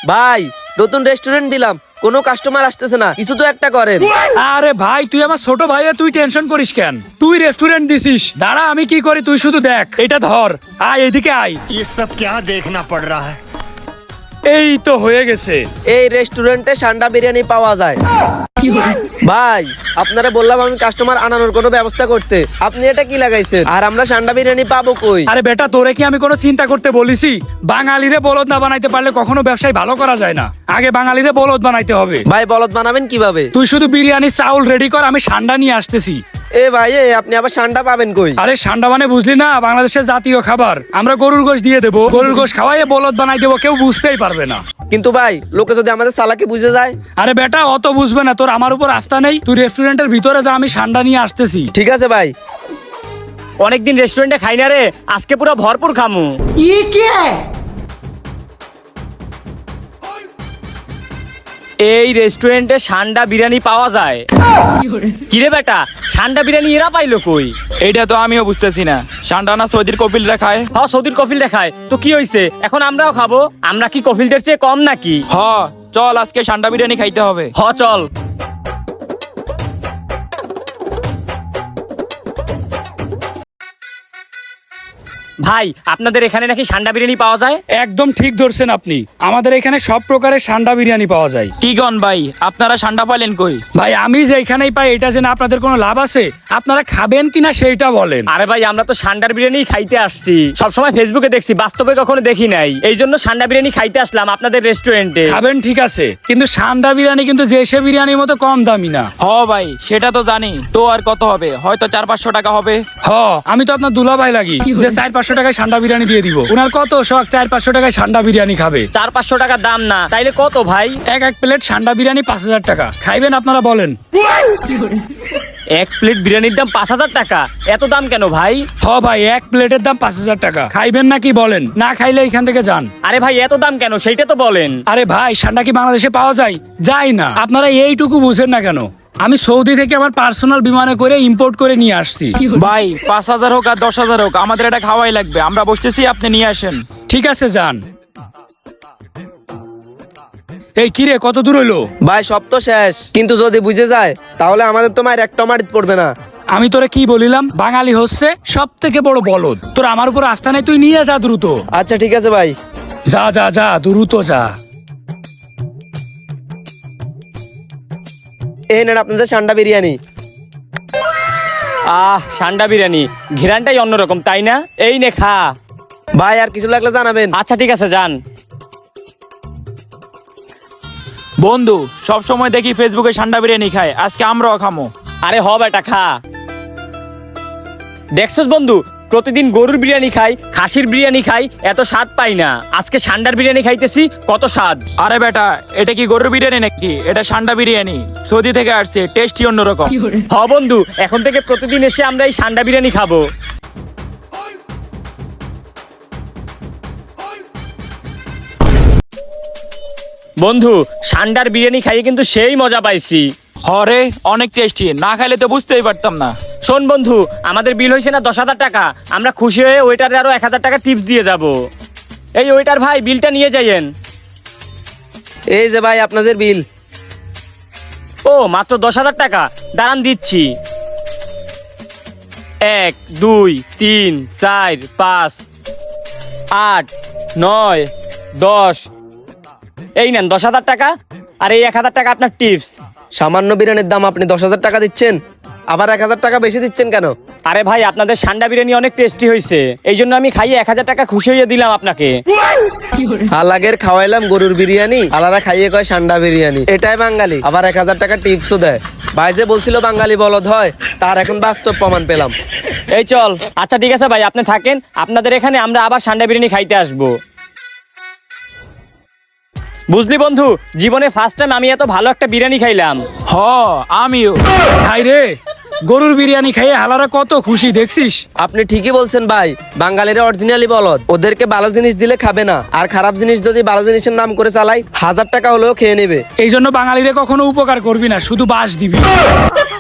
ভাই নতুন রেস্টুরেন্ট দিলাম, কোনো কাস্টমার আসতেছে না, কিছু তো একটা করেন। আরে ভাই তুই আমার ছোট ভাইয়া, তুই টেনশন করিস কেন? তুই রেস্টুরেন্ট দিছিস, দাঁড়া আমি কি করি তুই শুধু দেখ। এটা ধর, আয় এদিকে আয়। ये सब क्या देखना पड़ रहा है। এই তো হয়ে গেছে। এই রেস্টুরেন্টে সান্ডা বিরিয়ানি পাওয়া যায়। ভাই আপনারা বললাম আমি কাস্টমার আনানোর কোনো ব্যবস্থা করতে, আপনি এটা কি লাগাইছেন? আর আমরা সান্ডা বিরিয়ানি পাবো কই? আরে বেটা তোরে কি আমি কোনো চিন্তা করতে বলিছি? বাঙালিরে বলদ না বানাইতে পারলে কখনো ব্যবসায় ভালো করা যায় না। আগে বাঙালিরে বলদ বানাইতে হবে। ভাই বলদ বানাবেন কিভাবে? তুই শুধু বিরিয়ানি চাউল রেডি কর, আমি সান্ডা নিয়ে আসতেছি। এ ভাই আপনি আবার সান্ডা পাবেন কই? আরে সান্ডা মানে বুঝলি না, বাংলাদেশের জাতীয় খাবার। আমরা গরুর গোশ দিয়ে দেবো, গরুর গোশ খাওয়াইয়ে বলদ বানাই দেবো, কেউ বুঝতেই পারবে না। কিন্তু ভাই লোকে যদি আমাদের চালাকি বুঝে যায়? আরে বেটা অত বুঝবে না, তোর আমার উপর আস্থা নেই। তুই রেস্টুরেন্টের ভিতরে যা, আমি সান্ডা নিয়ে আসতেছি। ঠিক আছে ভাই। অনেকদিন রেস্টুরেন্টে খাই না রে, আজকে পুরো ভরপুর খামু। এই রেস্টুরেন্টে সান্ডা বিরিয়ানি পাওয়া যায়। কিরে বেটা, সান্ডা বিরিয়ানি এরা পাইলো কই? এইটা তো আমিও বুঝতেছি না। সান্ডানা সৌদির কপিলরা খায়। হ্যাঁ সৌদির কফিল দেখায় তো কি হইছে, এখন আমরাও খাবো। আমরা কি কফিলদের চেয়ে কম নাকি? হ চল আজকে সান্ডা বিরিয়ানি খাইতে হবে। হ চল। ভাই আপনাদের এখানে নাকি সান্ডা বিরিয়ানি পাওয়া যায়? একদম ঠিক ধরছেন আপনি, আমাদের এখানে সব প্রকারের সান্ডা বিরিয়ানি পাওয়া যায়। কি গন ভাই, আপনারা সান্ডা পাইলেন কই? ভাই আমি যেখানেই পাই এটা জেনে আপনাদের কোনো লাভ আছে? আপনারা খাবেন কিনা সেইটা বলেন। আরে ভাই আমরা তো সান্ডার বিরিয়ানি খাইতে আসছি, সবসময় ফেসবুকে দেখছি, বাস্তবে কখনো দেখি নাই। এই জন্য সান্ডা বিরিয়ানি খাইতে আসলাম আপনাদের রেস্টুরেন্টে। খাবেন ঠিক আছে, কিন্তু সান্ডা বিরিয়ানি কিন্তু দেশে বিরিয়ানির মতো কম দামি না। হ ভাই সেটা তো জানি, তো আর কত হবে? হয়তো 400-500 টাকা হবে। হ আমি তো আপনার দুলাভাই লাগি যে 400-500 টাকায় সান্ডা বিরিয়ানি দিয়ে দিব। উনার কত শখ 400-500 টাকায় সান্ডা বিরিয়ানি খাবে। 400-500 টাকা দাম না, তাইলে কত ভাই? এক প্লেট সান্ডা বিরিয়ানি 5000 টাকা। খাইবেন আপনারা বলেন? এক প্লেট বিরিয়ানির দাম 5000 টাকা? এত দাম কেন ভাই? হ ভাই এক প্লেটের দাম 5000 টাকা। খাইবেন নাকি বলেন? না খাইলে এখান থেকে যান। আরে ভাই এত দাম কেন সেইটা তো বলেন। আরে ভাই সান্ডা কি বাংলাদেশে পাওয়া যায়? যায় না। আপনারা এইটুকু বুঝেন না কেন? আমি সৌদি থেকে আমার পার্সোনাল বিমানে করে ইম্পোর্ট করে নিয়ে আসছি। ভাই 5000 হোক আর 10,000 হোক, আমাদের এটা খাওয়াই লাগবে। আমরা বসতেছি, আপনি নিয়ে আসেন। ঠিক আছে যান। এই কিরে কত দূর হইলো? ভাই সব তো শেষ, কিন্তু যদি বুঝে যায় তাহলে আমাদের তো মায়ের একটা মারিত পড়বে না। আমি তোরে কি বলিলাম, বাঙালি হচ্ছে সব থেকে বড় বলদ। তোর আমার উপর আস্থা নেই, তুই নিয়ে যা দ্রুত। আচ্ছা ঠিক আছে ভাই। যা যা যা দ্রুত যা। এই নেন আপনাদের সান্ডা বিরিয়ানি। সান্ডা বিরিয়ানি ঘিরানটাই অন্যরকম তাই না? এই নে খা। ভাই আর কিছু লাগলে জানাবেন। আচ্ছা ঠিক আছে যান। বন্ধু সব সময় দেখি ফেসবুকে সান্ডা বিরিয়ানি খায়, আজকে আমরাও খামো। আরে হ বেটা খা। দেখছস বন্ধু, প্রতিদিন গরুর বিরিয়ানি খাই, খাসির বিরিয়ানি খাই, এত স্বাদ পাই না। আজকে সান্ডার বিরিয়ানি খাইতেছি, কত স্বাদ। আরে বেটা এটা কি গরুর বিরিয়ানি নাকি? এটা সান্ডা বিরিয়ানি, সৌদি থেকে আসছে, টেস্টই অন্যরকম। হ বন্ধু, এখন থেকে প্রতিদিন এসে আমরা এই সান্ডা বিরিয়ানি খাবো। বন্ধু সান্ডার বিরিয়ানি খাইয়ে কিন্তু সেই মজা পাইছি। হরে অনেক টেস্টি, না খাইলে তো বুঝতেই পারতাম না। শোন বন্ধু, আমাদের বিল হয়েছে না 10,000 টাকা। আমরা খুশি হয়ে ওয়েটারে আরো 1000 টাকা টিপস দিয়ে যাব। এই ওয়েটার ভাই বিলটা নিয়ে যাইয়েন। এই যে ভাই আপনাদের বিল। ও মাত্র 10,000 টাকা, দাঁড়ান দিচ্ছি। 1 2 3 4 5 8 9 10। এই নেন 10,000 টাকা, আর এই 1000 টাকা আপনার টিপস। সামান্য বিরিয়ানির দাম আপনি 10,000 টাকা দিচ্ছেন, আবার 1000 টাকা বেশি দিচ্ছেন কেন? আরে ভাই আপনাদের সান্ডা বিরিয়ানি অনেক টেস্টি হয়েছে, এই জন্য আমি খাইয়ে 1000 টাকা খুশি হয়ে দিলাম আপনাকে। হালাগের খাওয়াইলাম গরুর বিরিয়ানি, আলাদা খাইয়ে কয় সান্ডা বিরিয়ানি। এটাই বাঙালি, আবার 1000 টাকা টিপসও দেয়। ভাই যে বলছিল বাঙালি বলদ হয়, তার এখন বাস্তব প্রমাণ পেলাম। এই চল। আচ্ছা ঠিক আছে ভাই, আপনি থাকেন, আপনাদের এখানে আমরা আবার সান্ডা বিরিয়ানি খাইতে আসবো। বুঝলি বন্ধু, জীবনে ফার্স্ট টাইম আমি এত ভালো একটা বিরিয়ানি খাইলাম। হ আমিও। খাই রে, গরুর বিরিয়ানি খাইয়ে হালারা কত খুশি দেখছিস? আপনি ঠিকই বলছেন ভাই, বাঙালিরা অরিজিনালি বলদ। ওদেরকে ভালো জিনিস দিলে খাবে না, আর খারাপ জিনিস যদি ভালো জিনিসের নাম করে চালাই 1000 টাকা হলেও খেয়ে নেবে। এই জন্য বাঙালিরে কখনো উপকার করবি না, শুধু বাস দিবি।